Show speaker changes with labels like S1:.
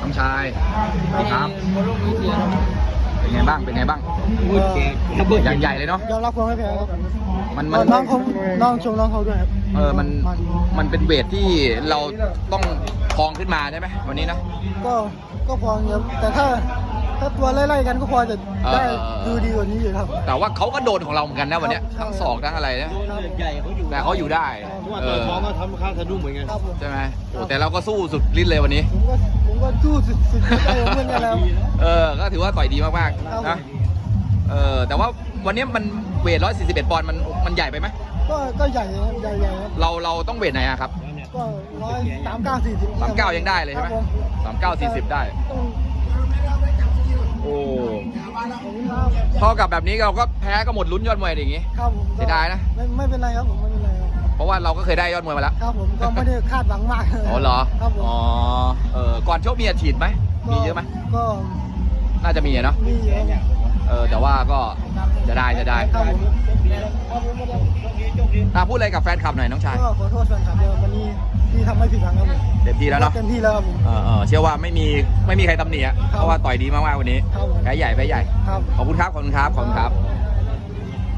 S1: น้องชายครับ
S2: บอลลูนวิเทียครับ
S1: เป็นไงบ้างเป็นไงบ้างอย่างใหญ่เลยเนาะ
S3: ยอมรับความไม่แพ้ครับ
S1: มัน
S3: น้องเขาน้องชมน้องเขาด้วยครับ
S1: มันเป็นเวทที่เราต้องครองขึ้นมาใช่ไหมวันนี้นะ
S3: ก็พอครับแต่ถ้าตัวไล่ๆกันก็พอจะได้ดูดีกว่านี้อยู่ครับ
S1: แต่ว่าเขาก็โดนของเราเหมือนกันนะวันเนี้ยทั้งศอกทั้งอะไรนะ
S2: ใหญ่เขาอยู่
S1: แต่เขาอยู่ได้
S2: เพราะว่าตัวท้องก็ทำข้างสะดุ้งเหมือนกัน
S3: ครับผม
S1: ใช่ไหมโอ้แต่เราก็สู้สุดฤทธิ์เลยวันนี้
S3: ผมก็สู้สุดใจของเพื่อนกันแล้ว
S1: ก็ถือว่าต่อยดีมาก
S3: ครับ
S1: ๆนะแต่ว่าวันนี้มันเวท141ปอนด์มันใหญ่ไปไหม
S3: ก็ใหญ่ครับใหญ่ครับ
S1: เราต้องเวทไหนอะครับ
S3: ก็139-40
S1: 39ยังได้เลยใช่ไหม39-40ได้โอ้เท่ากับแบบนี้เราก็แพ้ก็หมดลุ้นยอดมวยอย่างงี้
S3: ครับผม
S1: เสียดายนะ
S3: ไม่เป็นไรครับผมไม่เป็นไรครับ
S1: เพราะว่าเราก็เคยได้ยอดมวยมาแล้ว
S3: ครับผมก็ไม่ได้คาดหวังมาก
S1: อ๋อเหรอ
S3: ครับผม
S1: อ๋อก่อนชกมีอาชีพไหมมีเยอะไหม
S3: ก็
S1: น่าจะมีอะเนาะ
S3: มีเยอะครับ
S1: แต่ว่าก็จะได้
S3: ครับผม
S1: พูดอะไรกับแฟนคลับหน่อยน้องชาย
S3: ก็ขอโทษแฟนคลับด้วยวันนี้ที่ทำให้ผิดหวังครับผม
S1: เต็มที่แล้วเนาะ
S3: เต็มที่แล้วครับผม
S1: เชื่อว่าไม่มีใครตำหนิอะเพราะว่าต่อยดีมากๆวันนี้
S3: ครับผม
S1: แพ้ใหญ่
S3: ครับ
S1: ขอบคุณครับ